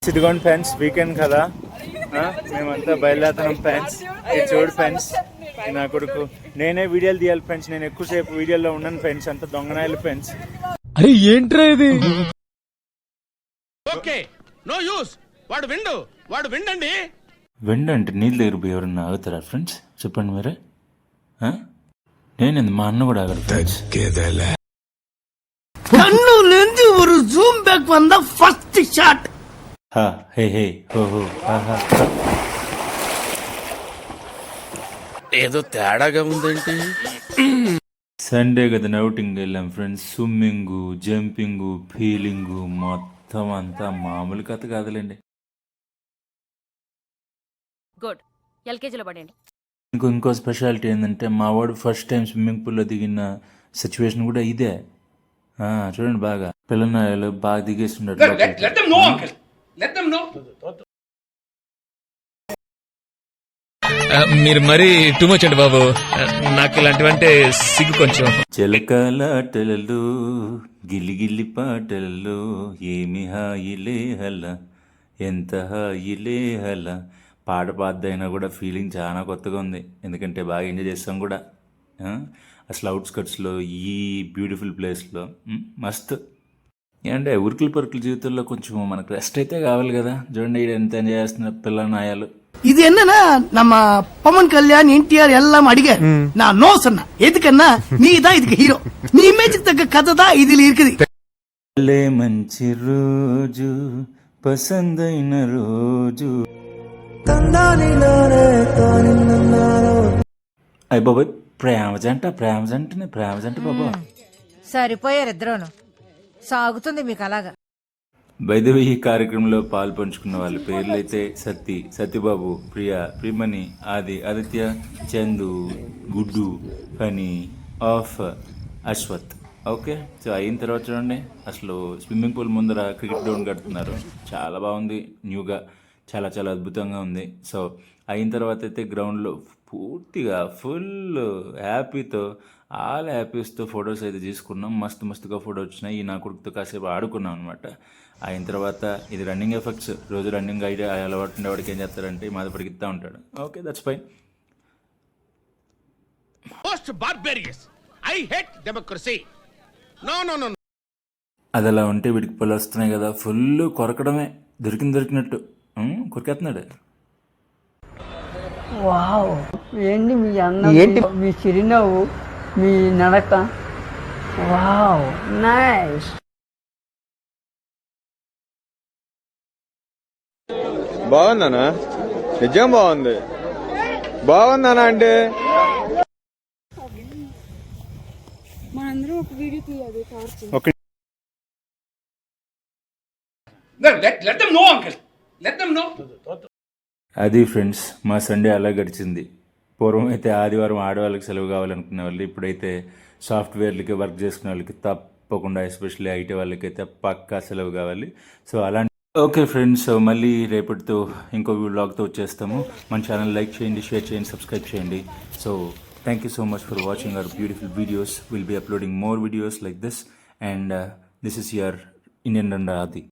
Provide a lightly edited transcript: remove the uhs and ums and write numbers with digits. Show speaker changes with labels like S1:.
S1: ఇదిగోండి friends, weekend కదా, మేమంతా బయలుదేరుతున్నాం ఫ్రెండ్స్. ఇది చూడు ఫ్రెండ్స్, నా కొడుకు. నేనే వీడియోలు తీయాలి ఫ్రెండ్స్, నేను ఎక్కువసేపు వీడియోలో ఉన్నాను ఫ్రెండ్స్, అంత దొంగనాయాలి ఫ్రెండ్స్.
S2: అరే ఏంట్రా ఇది?
S3: Okay no use. వాడు విండండి.
S1: వెండు అంటే నీళ్ళు దగ్గర పోయి ఎవరన్నా ఆగుతారా ఫ్రెండ్స్? చెప్పండి మీరే. నేనేంది, మా అన్న కూడా ఆగడు ఫ్రెండ్స్.
S4: కన్నులేంది ஒரு జూమ్ బ్యాక్ వంద ఫస్ట్ షాట్.
S1: హే హే హో హో
S3: ఏదో తేడాగా ఉందేంటి?
S1: సండే కదా అవుటింగ్ వెళ్ళాం ఫ్రెండ్స్. స్విమ్మింగ్, జంపింగ్, ఫీలింగ్ మొత్తం అంతా మామూలు కథ కాదులేండి.
S5: గుడ్, ఎల్కేజీలో పడండి.
S1: ఇంకో స్పెషాలిటీ ఏంటంటే, మా వాడు ఫస్ట్ టైం స్విమ్మింగ్ పూల్లో దిగిన సిచ్యువేషన్ కూడా ఇదే. చూడండి, బాగా పిల్లలు బాగా దిగేస్తున్నాడు.
S2: మీరు మరీ టూ మచ్ అండి బాబు, నాకు ఇలాంటివంటే సిగ్గు కొంచెం.
S1: చిలకలాటలలో గిల్లి పాటలలో ఏమి హాయిలే హల, ఎంత హాయిలే హల. పాట పాద్దైనా కూడా ఫీలింగ్ చాలా కొత్తగా ఉంది, ఎందుకంటే బాగా ఎంజాయ్ చేస్తాం కూడా. అసలు అవుట్స్కట్స్లో ఈ బ్యూటిఫుల్ ప్లేస్లో మస్తు. ఏంటంటే ఉరుకులు పరుకుల జీవితంలో కొంచెం మనకు రెస్ట్ అయితే కావాలి కదా. చూడండి ఎంత ఎంజాయ్ చేస్తున్న పిల్ల నాయాలు.
S4: இது என்னன்னா நம்ம பவன் கல்யாண் என்டிஆர் எல்லாம் அடிக்க நான் நோ சொன்ன எதுக்குன்னா நீ தான் இதுக்கு ஹீரோ, நீ இமேஜுக்கு தக்க கதை தான் இதுல இருக்குது.
S1: మంచి రోజు పసందైన రోజు. అయ్య బాబాయ్, ప్రేమ జంట బాబా.
S6: సరిపోయారు ఇద్దరును, సాగుతుంది మీకు అలాగా.
S1: బైదవి ఈ కార్యక్రమంలో పాలు పంచుకున్న వాళ్ళ పేర్లు అయితే సత్యబాబు, ప్రియమణి, ఆదిత్య, చందు, గుడ్డు, ఫనీ, అశ్వత్. ఓకే, సో అయిన తర్వాత చూడండి, అసలు స్విమ్మింగ్ పూల్ ముందర క్రికెట్ గ్రౌండ్ కడుతున్నారు. చాలా బాగుంది, న్యూగా, చాలా చాలా అద్భుతంగా ఉంది. సో అయిన తర్వాత అయితే గ్రౌండ్లో పూర్తిగా ఫుల్ హ్యాపీతో, ఆల్ హ్యాపీస్తో ఫొటోస్ అయితే తీసుకున్నాం. మస్తుగా ఫోటో వచ్చినాయి. ఈ నా కొడుకుతో కాసేపు ఆడుకున్నాం అనమాట. అయిన తర్వాత ఇది రన్నింగ్ ఎఫెక్ట్స్. రోజు రన్నింగ్ ఐడియా అలవాటు ఉండేవాడికి ఏం చేస్తారంటే మాద పరిగెత్తా ఉంటాడు. Okay, that's fine. అది అలా ఉంటే వీడికి పళ్ళు వస్తున్నాయి కదా, ఫుల్ కొరకడమే, దొరికినట్టు కొరికేస్తున్నాడు.
S7: వావ్, ఏంటి మీ అన్నం, ఏంటి మీ చిరునవ్వు, మీ నడక, వావ్ నైస్.
S8: బాగుందనా? నిజం బాగుందనా అంటే
S1: అది ఫ్రెండ్స్, మా సండే అలా గడిచింది. పూర్వం అయితే ఆదివారం ఆడవాళ్ళకి సెలవు కావాలనుకునే వాళ్ళు, ఇప్పుడైతే సాఫ్ట్వేర్లకి వర్క్ చేసుకునే వాళ్ళకి తప్పకుండా, ఎస్పెషల్లీ ఐటీ వాళ్ళకైతే పక్కా సెలవు కావాలి. సో అలాంటి ఓకే ఫ్రెండ్స్, సో మళ్ళీ రేపటితో ఇంకో వ్లాగ్తో వచ్చేస్తాము. మన ఛానల్ లైక్ చేయండి, షేర్ చేయండి, సబ్స్క్రైబ్ చేయండి. So thank you so much for watching our beautiful videos. Will be uploading more videos like this, and this is your Indian రండా ఆది.